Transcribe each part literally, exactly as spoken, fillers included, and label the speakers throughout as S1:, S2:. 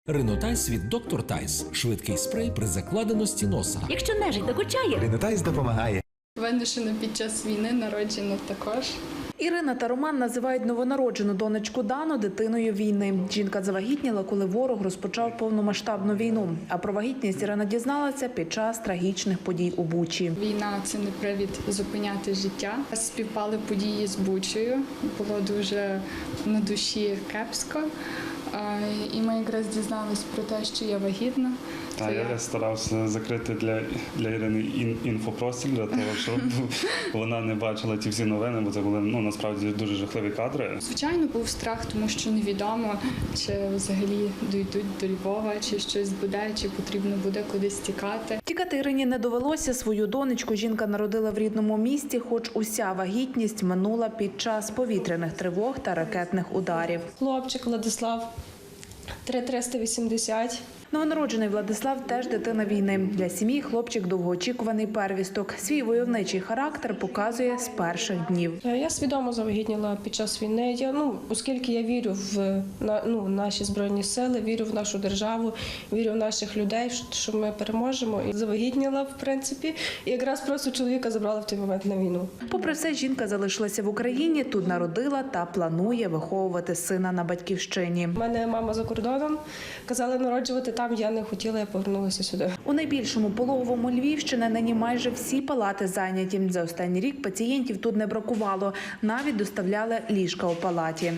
S1: Ринотайс від доктор Тайс. Швидкий спрей при закладеності носа.
S2: Якщо нежить докучає,
S3: Ринотайс допомагає.
S4: Виношено під час війни, народжено також.
S5: Ірина та Роман називають новонароджену донечку Дану дитиною війни. Жінка завагітніла, коли ворог розпочав повномасштабну війну. А про вагітність Ірина дізналася під час трагічних подій у Бучі.
S4: Війна – це не привід зупиняти життя. Співпали події з Бучею. Було дуже на душі кепсько. І ми якраз дізналися про те, що я вагітна.
S6: Та я старався закрити для, для Ірини ін, інфопростір, для того, щоб вона не бачила ті всі новини, бо це були ну, насправді дуже жахливі кадри.
S4: Звичайно, був страх, тому що невідомо, чи взагалі дійдуть до Львова, чи щось буде, чи потрібно буде кудись тікати.
S5: Тікати Ірині не довелося. Свою донечку жінка народила в рідному місті, хоч уся вагітність минула під час повітряних тривог та ракетних ударів.
S7: Хлопчик Владислав, три триста вісімдесят.
S5: Новонароджений Владислав теж дитина війни. Для сім'ї хлопчик довгоочікуваний первісток. Свій войовничий характер показує з перших днів.
S7: Я свідомо завагітніла під час війни. Я, ну, оскільки я вірю в на, ну, наші Збройні сили, вірю в нашу державу, вірю в наших людей, що ми переможемо. І завагітніла, в принципі, і якраз просто чоловіка забрала в той момент на війну.
S5: Попри все, жінка залишилася в Україні, тут народила та планує виховувати сина на батьківщині.
S7: У мене мама за кордоном, казали народжувати там, я не хотіла, я повернулася сюди.
S5: У найбільшому пологовому Львівщини нині майже всі палати зайняті. За останній рік пацієнтів тут не бракувало. Навіть доставляли ліжка у палаті.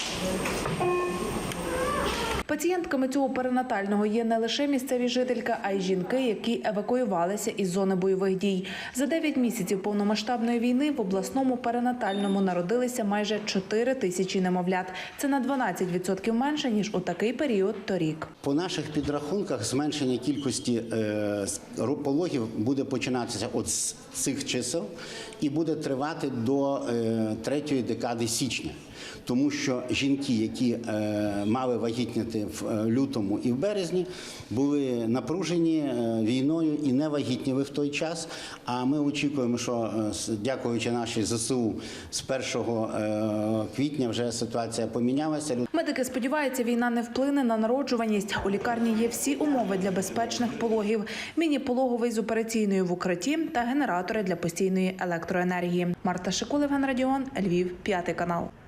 S5: Пацієнтками цього перинатального є не лише місцеві жительки, а й жінки, які евакуювалися із зони бойових дій. За дев'ять місяців повномасштабної війни в обласному перинатальному народилися майже чотири тисячі немовлят. Це на дванадцять відсотків менше, ніж у такий період торік.
S8: По наших підрахунках зменшення кількості пологів буде починатися від цих чисел і буде тривати до третьої декади січня. Тому що жінки, які мали вагітніти в лютому і в березні, були напружені війною і не вагітніли в той час. А ми очікуємо, що, дякуючи нашій ЗСУ, з першого квітня вже ситуація помінялася.
S5: Медики сподіваються, війна не вплине на народжуваність. У лікарні є всі умови для безпечних пологів. Міні-пологовий з операційною в укритті та генератори для постійної електроенергії. Марта Шикулев, Радіон, Львів, п'ятий канал.